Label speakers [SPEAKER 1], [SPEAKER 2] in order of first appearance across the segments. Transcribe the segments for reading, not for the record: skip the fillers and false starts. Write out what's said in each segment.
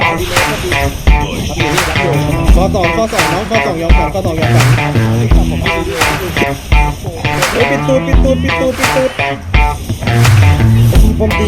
[SPEAKER 1] ดีเลยก็ดีรับอยู่นี่รับอยู่
[SPEAKER 2] ข้อ 2น้องข้อ 2ยอมฝันข้อ 2ยอมฝันเฮ้ยปิดตูดผมตี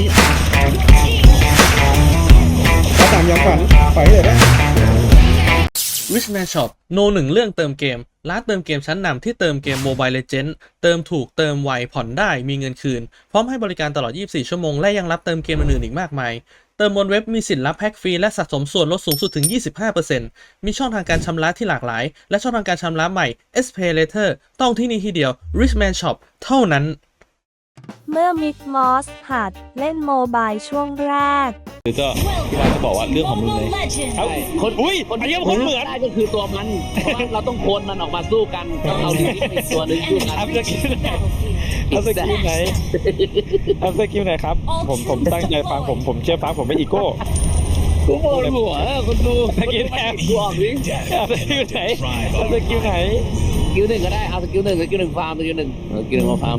[SPEAKER 2] ข้อ 3ยอมฝันปล่อยให้เลยได้
[SPEAKER 3] Richman Shop โน1เรื่องเติมเกมร้านเติมเกมชั้นนำที่เติมเกม Mobile Legends เติมถูกเติมไวผ่อนได้มีเงินคืนพร้อมให้บริการตลอด 24 ชั่วโมงและยังรับเติมเกมอื่นๆอีกมากมายเติมบนเว็บมีสิทธิ์รับแพ็กฟรีและสะสมส่วนลดสูงสุดถึง 25% มีช่องทางการชำระที่หลากหลายและช่องทางการชำระใหม่ SPay Later ต้องที่นี่ที่เดียว Richman Shop เท่านั้น
[SPEAKER 4] เมื่อมิกมอสหัดเล่นโมบายช่วงแรก
[SPEAKER 5] คือก็พี่ว่าจะบอกว่าเรื่องของมึงเลยเอ้าคนอุ้ยอันนี้คนเหมือน
[SPEAKER 1] ได้ก็คือตัวมันเพราะว่าเราต้องโคนมันออกมาสู้กันต้องเอาดีเป็นตัวหนึ่งสู้กัน
[SPEAKER 5] เอาสกิลไหนเอาสกิลไหนครับผมตั้งใจฟังผมเชื่อฟังผมไม่อีโก้
[SPEAKER 1] กูโมโหหัวคนดู
[SPEAKER 5] สกิลไหน
[SPEAKER 1] ดูออกดิ
[SPEAKER 5] เอาสกิลไหนเอาสกิลไหน
[SPEAKER 1] สกิลหนึ่งก็ได้เอาสกิลหนึ่งฟาร์มสกิลหนึ่งมาฟาร์ม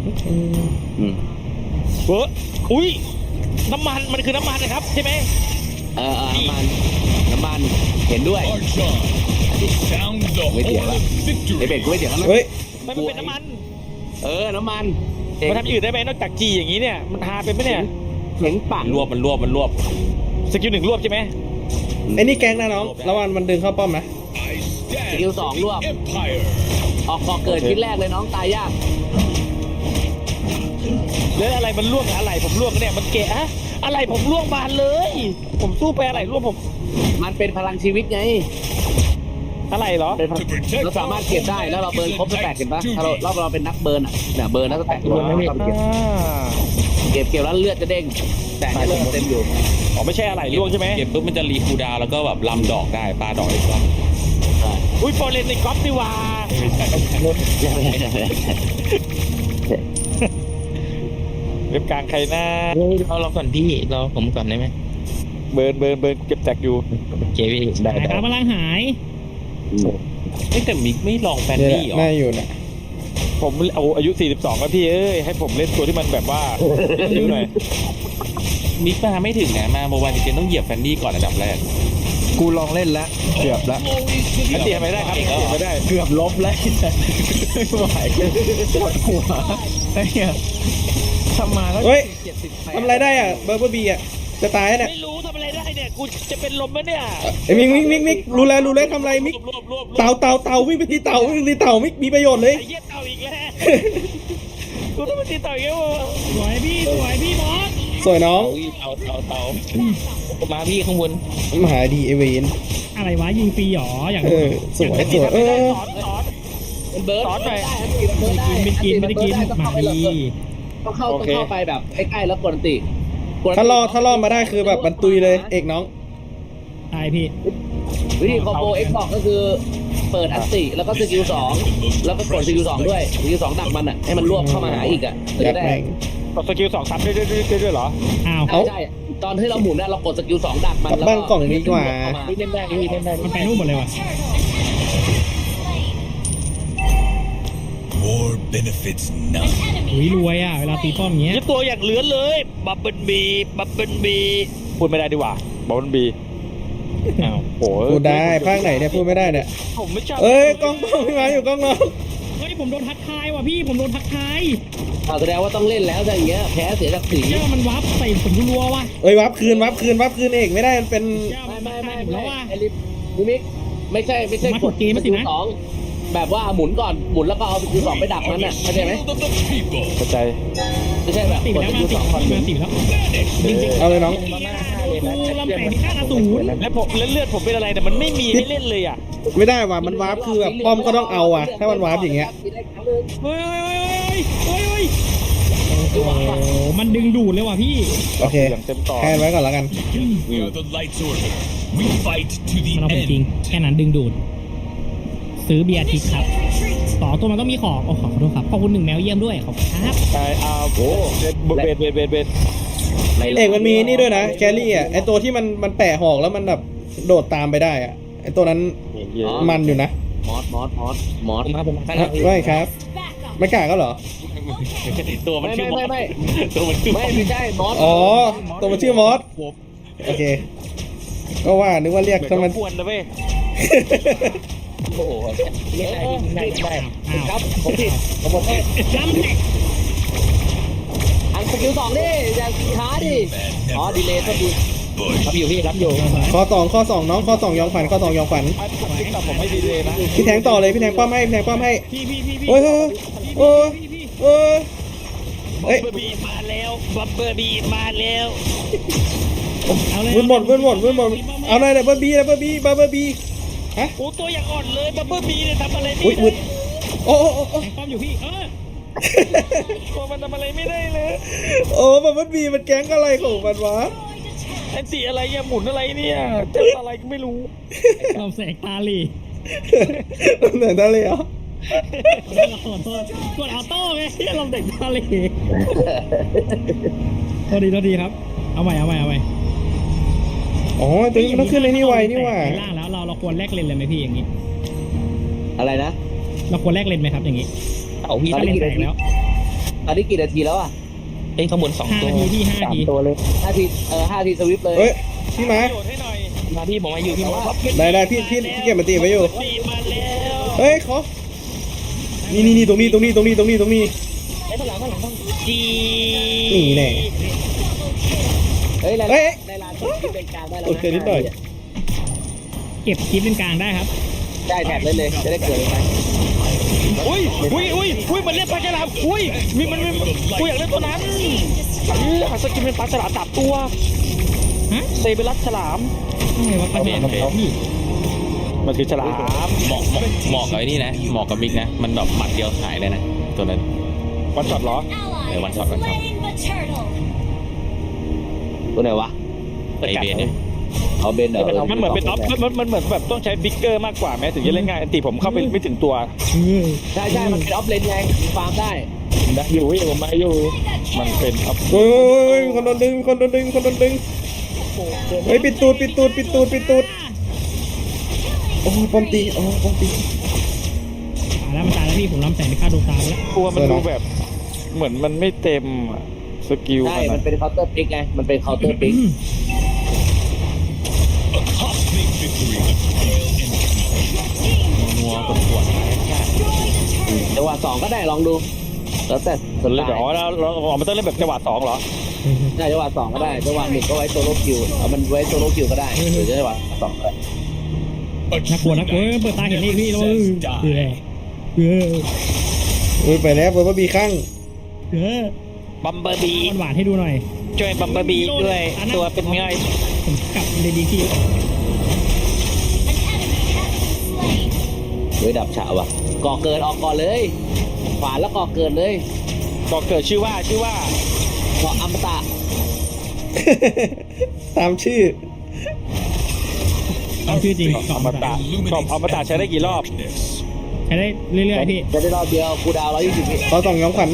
[SPEAKER 5] เฮ้ยอุ้ยน้ำมันมันคือน้ำมันนะครับใช่ไหม
[SPEAKER 1] น้ำมันเห็นด้วยไม่เถียงแล้วไอเบ็ดกูไม่เถียงแล้วนะ
[SPEAKER 2] เฮ้ย
[SPEAKER 5] มันเป็นน้ำมัน
[SPEAKER 1] น้ำมัน
[SPEAKER 5] มันทำอื่นได้ไหมนอกจากจีอย่างนี้เนี่ยมันทาเป็นไหมเนี่ย
[SPEAKER 1] เห็นปาก
[SPEAKER 5] มันรวบสกิล1รวบใช่ไหม
[SPEAKER 2] ไอ้นี่แก๊งนะน้องระวังมันดึงเข้าป้อมนะ
[SPEAKER 1] สกิล2รวบออกพอเกิดชิ้นแรกเลยน้องตายยาก
[SPEAKER 5] แล้วอะไรมันล่วงอะไรผมล่วงเนี่ยมันแกะอะไรผมล่วงบานเลยผมสู้ไปอะไรล่วงผม
[SPEAKER 1] มันเป็นพลังชีวิตไง
[SPEAKER 5] อะไรเหรอ
[SPEAKER 1] เราสามารถเก็บได้แล้วเราเบิร์นครบสแต็กเห็นปะถ้าเราเป็นนักเบิร์นอ่ะเนี่ยเบิร์นนักสแต็กเราเก็บแล้วเลือดจะเด้งแต่เลือดเต็มอยู่
[SPEAKER 5] อ๋อไม่ใช่อะไรล่วงใช่ไหม
[SPEAKER 6] เก็บปุ๊บมันจะรีคูลดาวน์แล้วก็แบบลำดอกได้ปลาดอกได้ก็
[SPEAKER 5] อุ้ยโปรเลนในก๊อฟดีว่าเว็บกลางใครหน้า
[SPEAKER 6] เราก่อนพี่รอผมก่อนได้ไหม
[SPEAKER 5] เบิร์นเก็บแตกอยู่
[SPEAKER 6] โอเคพี่ได้
[SPEAKER 7] ครับพลังหาย
[SPEAKER 6] แต่มิกไม่ลองแฟนดี้หรอ
[SPEAKER 2] น่าอยู่นะ
[SPEAKER 5] ผมเอาอายุ42แล้วพี่เอ้ยให้ผมเล่นตัวที่มันแบบว่าเยอะหน่อย
[SPEAKER 6] มิกมาไม่ถึงนะมาโมบายจริงๆต้องเหยียบแฟนดี้ก่อนอันดับแรก
[SPEAKER 2] กูลองเล่นแล้วเกือบแล้ว
[SPEAKER 5] อันตีไม่ได้ครับไม่ได้
[SPEAKER 2] เกือบลบแล้วไม่ไหวปวดหัวไอ้เนี่ยทำมาแล้วเฮ้ยทำอะไรได้อ่ะเบอร์เบอร์บีอ่ะจะตายเนี่ย
[SPEAKER 5] ไม่รู้ทำอะไรได้เนี่ยกูจะเป็นลมไหมเนี่ย
[SPEAKER 2] ไอ้มิกรู้แล้วทำอะไรมิกเต่าวิ่งไปตีเต่ามิกมีประโยชน์เลย
[SPEAKER 5] ไอ้เหี้ยเต่าอีกแล้วกูต้องไปตีเต่าอีกแล้ว
[SPEAKER 7] สวยพี่มอส
[SPEAKER 2] สวยน้อง
[SPEAKER 6] เต่ามาพี่ข้างบน
[SPEAKER 2] มหาดีเอเวน
[SPEAKER 7] อะไรวะยิงฟรีหรออย่าง
[SPEAKER 2] สวย
[SPEAKER 5] สอน
[SPEAKER 1] เบิร์ด
[SPEAKER 5] สอนหน่อย
[SPEAKER 7] ไม่กินมาดี
[SPEAKER 1] ต้องเข้าไปแบบใกล้ๆแล้วกดติ
[SPEAKER 2] ถ้ารอดมาได้คือแบบบรรตุยเลยเอกน้อง
[SPEAKER 7] ตายพี่
[SPEAKER 1] วิธีคอมโบเอ็กบอกก็คือเปิดอันติแล้วก็สกิล2แล้วก็กดสกิล2ด้วยสกิล2ดักมันอ่ะให้มันรวบเข้ามาหาอีกอ่ะ
[SPEAKER 2] จะได้
[SPEAKER 5] กดสกิล2ซ้ำด้วยเหรอ
[SPEAKER 7] อ้าว
[SPEAKER 1] ใช่ตอนที่เราหมุนเนี่ยเรากดสกิล2ดักมันแล้ว
[SPEAKER 2] บ้านกล่องนี้กว่า
[SPEAKER 1] เล่นได้
[SPEAKER 7] มันไปนู่นหมดเลยว่ะรวยอ่ะเวลาตีป้อมเงี้ย
[SPEAKER 5] ตัวอย่างเหลือเลยบับเบิ้ลบีพูดไม่ได้ดีกว่าบับเบิ้ลบีอ้าวโห
[SPEAKER 2] พูดได้ภาคไหนเนี่ยพูดไม่ได้เนี่ย
[SPEAKER 5] ผมไม่ชอบ
[SPEAKER 2] กล้องพี่มาอยู่กล้องน้อง
[SPEAKER 7] เฮ้ยผมโดนทักทายว่ะพี่ผมโดนทักทาย
[SPEAKER 1] แสดงว่าต้องเล่นแล้วถ้าอย่างเงี้ยแพ้เสียศักดิ์ศรี
[SPEAKER 7] เนี่ยมันวับใส่ผมรัวว่ะ
[SPEAKER 2] วับคืนเอกไม่ได้มันเป็น
[SPEAKER 1] ไม่แล้วว่ะไอ้ลิมิกไม่ใช่กดเกมสกิล2แบบว่าหมุนก่อนหมุนแล้วก็เอาสกิล2ไปดักมันน่ะเข้าใจไหม
[SPEAKER 5] เข้าใจ
[SPEAKER 1] ไม่ใช่แบบกดสกิล2ก่อน
[SPEAKER 7] มาติดแล้ว
[SPEAKER 2] เอาเลยน้อง
[SPEAKER 7] ลำแสงที่ค่าสูง
[SPEAKER 5] แล้วเลือดผมเป็นอะไรแต่มันไม่มีให้เล่นเลยอ่ะ
[SPEAKER 2] ไม่ได้ว่ะมันวาร์ปคือแบบป้อมก็ต้องเอาอ่ะถ้ามันวาร์ปอย่างเงี้ย
[SPEAKER 7] เฮ้ยมันดึงดูดเลยว่ะพี่
[SPEAKER 2] โอเคแค่ไว้ก่อนแล้วกัน
[SPEAKER 7] มันเอาเป็นจริงแค่นั้นดึงดูดซื้อเบียร์ทิกครับต่อตัวมันต้องมีของขอโทษครับขอบคุณ1แมวเยี่ยมด้วยขอบคุณครับ
[SPEAKER 5] ใช่โอ้เบส
[SPEAKER 2] เอกมันมีนี่ด้วยนะแครี่อ่ะไอตัวที่มันแปะหอกแล้วมันแบบโดดตามไปได้อ่ะไอตัวนั้นมันอยู่นะ
[SPEAKER 1] มอส
[SPEAKER 5] ผม
[SPEAKER 2] ไม่ครับไม่กล้าก็เหรอ
[SPEAKER 5] ตัวมันชื่อมอส
[SPEAKER 1] ตัวมันชื่อไม่ใช่มอส
[SPEAKER 2] อ๋อตัวมันชื่อมอสโอเคก็ว่านึกว่าเรียก
[SPEAKER 5] เหมือน
[SPEAKER 2] ถ้ามัน
[SPEAKER 5] กวนนะเว้ย
[SPEAKER 1] โอ้โหเรียกได้ได้
[SPEAKER 7] อ้าว
[SPEAKER 1] ครับผมผิดผมหมด
[SPEAKER 7] ล้ำแตก
[SPEAKER 1] อันสกิล2ดิอย่าช้าดิอ๋อดีเลยก็ดีรับอยู่พี่รับอยู่
[SPEAKER 2] ข้อ2น้องข้อ2ยองขวัญข้อ2ยองขวัญ
[SPEAKER 5] ติ๊กต็อกผมไม่ดีเลยนะ
[SPEAKER 2] พี่แทงต่อเลยพี่แทงป้อมให้พี่แทงป้อมให้
[SPEAKER 7] พี่
[SPEAKER 2] โอ้ยโอ้ยโอ้ยเฮ้ย
[SPEAKER 5] บับเบอร์บีมาแล้วบับเบอร์บีมาแล้ว
[SPEAKER 7] เอาเลย
[SPEAKER 2] วุ่นหมดเอาเลยเบอร์บีเบอร์บีฮะ
[SPEAKER 5] โอ้ตัวอย่างอ่อนเลยบับเบอร์บีเนี่ยทำอะไรไม่
[SPEAKER 2] อุ้ย
[SPEAKER 5] ได้
[SPEAKER 2] วุ่นโอ้โอ้โอ้
[SPEAKER 7] แทงป้อมอยู่พี่
[SPEAKER 5] ตัวมันทำอะไรไม่ได้เลย
[SPEAKER 2] โอ้เบอร์บีมันแก๊งอะไรของมันวะ
[SPEAKER 5] แอนตี้อะไรเนี่ยหมุนอะไรเนี่ยเจ็บอะไรก็ไม่รู้
[SPEAKER 7] เราแสกตาลี
[SPEAKER 2] เหนื่อยได้เลยเหรอ
[SPEAKER 7] ขอโทษกดออโต้ไงเราเด็กตาลีโทษดีครับเอาใหม่
[SPEAKER 2] อ๋อตัวนี้มันต้องขึ้นในนี่ไวนี่หว่า
[SPEAKER 7] ล่างแล้วเราควรแลกเลนเลยไหมพี่อย่างนี้
[SPEAKER 1] อะไรนะ
[SPEAKER 7] เราควรแลกเลนไหมครับอย่างนี้
[SPEAKER 1] เอาพี่
[SPEAKER 7] ถ้าเลนแตกแล้ว
[SPEAKER 1] ตอนนี้กี่นาทีแล้วอ่ะ
[SPEAKER 5] เอ้ยขางบวน2
[SPEAKER 7] 5
[SPEAKER 5] ตัว
[SPEAKER 7] นาทีพี่5 นาที
[SPEAKER 5] ตัวเลย
[SPEAKER 1] 5 ที5 ทีสวิปเลย
[SPEAKER 2] เฮ้ยพี่มา
[SPEAKER 5] โยนให้หน่อยมาพี่ผมมาอยู่พี่มา
[SPEAKER 2] ได้พี่เก็บมาตีไว้อยู่
[SPEAKER 5] บีมาแล้ว
[SPEAKER 2] เฮ้ยขอนี่ตรงนี้
[SPEAKER 5] ไอ้ข้างหลังจี
[SPEAKER 2] นี่แน่
[SPEAKER 1] เฮ้ย
[SPEAKER 2] เฮ้ย
[SPEAKER 1] ในร้านที่เป็นกลางได้แล้ว
[SPEAKER 2] โอเคนิดหน่อย
[SPEAKER 7] เก็บคลิปเป็นกลางได้ครับ
[SPEAKER 1] ได้แท็บได้เลยจะได้เกิดไหม
[SPEAKER 5] อุ้ยมันเรียกปลาฉลามอุ้ยมันกูอยากเล่นตัวนั้นหาสกินเป็นปลาฉลาม3 ตัว
[SPEAKER 7] ฮะ
[SPEAKER 5] เซเบรัสฉลาม
[SPEAKER 7] อะไรวะประเด็นพี่
[SPEAKER 5] มันคือฉลาม
[SPEAKER 6] เหมาะกับไอ้นี่นะเหมาะกับมิกนะ มันแบบหมัดเดียวหายเลยนะ ตัวนั้น
[SPEAKER 5] วันช็อตเหรอ
[SPEAKER 6] วันช็อต
[SPEAKER 1] ตัวไหนวะ
[SPEAKER 6] ไอเบนเนี่ย
[SPEAKER 1] เอาเบนเหรอ
[SPEAKER 5] มันเหมือนเป็นออฟมันเหมือนแบบต้องใช้บิ๊กเกอร์มากกว่าแม้ถึงจะเล่นง่ายอันตีผมเข้าไปไม่ถึงตัว
[SPEAKER 1] ใช่มันเป็นออฟเลนไงฟาร์มได้
[SPEAKER 5] อยู่มาอยู่มันเป็นออฟ
[SPEAKER 2] โอ้ยคนโดนดึงเฮ้ยปิดตูดโอ้ปอมตี
[SPEAKER 7] มันตายแล้วพี่ผมล้ำแสงไปฆ่าดวงตาไปแล้ว
[SPEAKER 5] ตัวมันดูแบบเหมือนมันไม่เต็มสกิล
[SPEAKER 1] ใช่มันเป็นเคาน์เตอร์ปิกไงมันเป็นเคาน์เตอร์ปิก
[SPEAKER 6] งัวกดขวด
[SPEAKER 1] จังหวะ2ก็ได้ลองดูแล้วแต่ส
[SPEAKER 5] เล่น
[SPEAKER 1] ไต
[SPEAKER 5] แบบ
[SPEAKER 1] ล์
[SPEAKER 5] อ๋อเรามันต้องเล่นแบบจังหวะ2เหรอ
[SPEAKER 1] ได้จังหวะ2ก็ได้จังหวะ1ก็ไว้โซโล่คิวเอามันไว้โซโล่คิวก็ได้หรือจังหวะ2ก็ได้
[SPEAKER 7] น่ากลัวเปิดตาเห็นนี่พี่แล้ว
[SPEAKER 2] โอ้ยไปแล้วเบอร์บีข้าง
[SPEAKER 5] บัมเบอร์บี
[SPEAKER 7] หวานให้ดูหน่อย
[SPEAKER 5] ช่วยบัมเบอร์บีด้วยตัวเป็นไง
[SPEAKER 7] ผมกลับเลยดีที่
[SPEAKER 1] เฮ้ยดับฉะว่ะก่อเกิดออกก่อนเลยขวานแล้วก่อเกิดเลย
[SPEAKER 5] บอกเกิดชื่อว่า
[SPEAKER 1] ก่ออมตะ
[SPEAKER 2] ตามชื่อ
[SPEAKER 7] ตามชื่อจริง
[SPEAKER 5] อมตะอมตะใช้ได้กี่รอบ
[SPEAKER 7] ใช้ได้เรื่อยๆพี่
[SPEAKER 1] จะได้รอบเดียวคูดาว120วิ
[SPEAKER 2] ข้อ2ยองขวัญ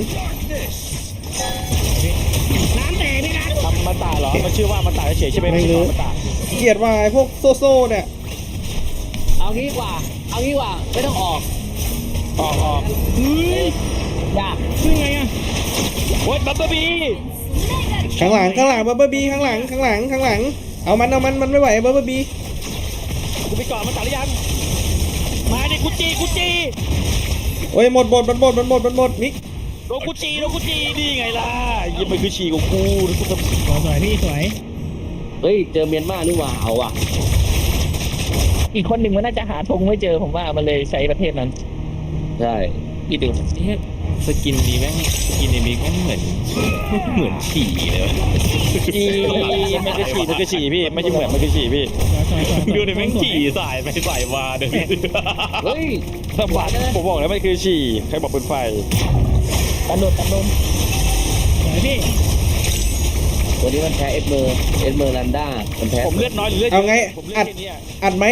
[SPEAKER 7] น้ำแตกนี่นะ
[SPEAKER 5] อมตะเหรอมันชื่อว่าอมตะเฉยใช่ไหมไม่ใช่อมตะ
[SPEAKER 2] เกลียดว่าไอ้พวกโซ่เนี่ย
[SPEAKER 1] เอางี้กว่าไม่ต้องออก
[SPEAKER 5] ออก
[SPEAKER 7] เฮ้ย
[SPEAKER 1] ยาก
[SPEAKER 7] คือไงอะ
[SPEAKER 5] โอ้ยบัมเบอร์บี
[SPEAKER 2] ข้างหลังเบอร์บีข้างหลังเอามันไม่ไหวเบอร์บี
[SPEAKER 5] กูไปก่อนอมตะหรือยังมาดิกูจี
[SPEAKER 2] โอ้ยหมดมิก
[SPEAKER 5] โดนกูจีนี่ไงล่ะยังมันคือฉี่ของกูแล้วกูจะ
[SPEAKER 7] สวยพี่สวย
[SPEAKER 1] เฮ้ยเจอเมียนมานี่หว่าเอาว่ะ
[SPEAKER 5] อีกคนหนึ่งมันน่าจะหาธงไม่เจอผมว่ามันเลยใช้ประเทศนั้น
[SPEAKER 1] ใช่
[SPEAKER 5] อีดู
[SPEAKER 6] สกินนี้แม่งสกินในมิกแม่งเหมือนขี่เลยวะ
[SPEAKER 5] จีมันคือฉี่พี่ไม่ใช่เหมือนมันคือฉี่พี่
[SPEAKER 6] ดูดิแม่งขี่สายไปสายมาเดี๋ยวนี้
[SPEAKER 1] เฮ้ย
[SPEAKER 5] สมบัติผมบอกแล้วมันคือฉี่ใครบอกเป็นไฟตันโดน
[SPEAKER 7] สวยพี่
[SPEAKER 1] ตัวนี้มันแพ้เอ็ดเมอร์ลันด้ามันแพ้
[SPEAKER 5] ผมเลือดน้อยหรือเลือด
[SPEAKER 2] เอาไง
[SPEAKER 5] ผมเลือ
[SPEAKER 2] อั
[SPEAKER 5] ด
[SPEAKER 2] ด
[SPEAKER 5] แค่นี้
[SPEAKER 2] อัดไหม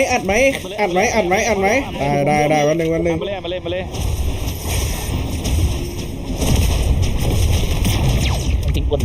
[SPEAKER 2] ได้วันหนึ่ง
[SPEAKER 5] มาเลย
[SPEAKER 6] ทิ้งคน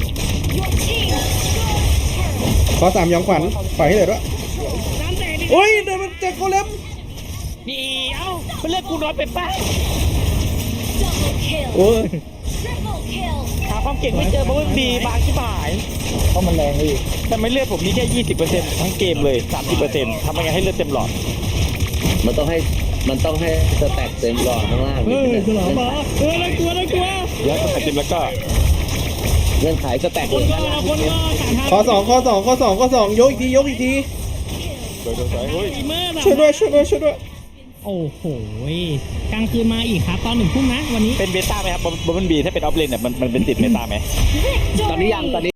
[SPEAKER 2] ข้อ3ยองขวัญปล่อยให้เหลือด้วย
[SPEAKER 7] น้ำแตกนี่
[SPEAKER 2] โอ้ยเดี๋ยวมันจะโคเลม
[SPEAKER 5] เดี๋ยวมันเลือดกูน้อยไปป่ะ
[SPEAKER 2] โอ้ย
[SPEAKER 5] ครับความเก่งไม่เจอบับเบิ้ลบีบางที่หาย
[SPEAKER 2] เพราะมันแรงพี่
[SPEAKER 5] แต่ไม่เลือดผมมีแค่ 20%ทั้งเกมเลย 30%ทำยังไงให้เลือดเต็มหลอด
[SPEAKER 1] มันต้องให้สแต็กเต็มหลอดข้างล่าง
[SPEAKER 7] เฮ้ยฉลองมาน่ากลัว
[SPEAKER 5] แล้วก็แต่เต็มแล้วก็
[SPEAKER 1] เงื่อนไขสแต็ก
[SPEAKER 7] คนก็ต่างทาง
[SPEAKER 2] ข้อสองยกอีกที
[SPEAKER 5] โดยเฮ้ย
[SPEAKER 7] เมื่อแบบ
[SPEAKER 2] ช่วยด้วย
[SPEAKER 7] โอ้โหกลางคืนมาอีกครับตอน1 ทุ่มนะวันนี้
[SPEAKER 5] เป็นเบต้าไหมครับบับเบิ้ลบีถ้าเป็นออฟเลนเนี่ยมันเป็นติดเบต้าไหม
[SPEAKER 1] ตอนนี้ยัง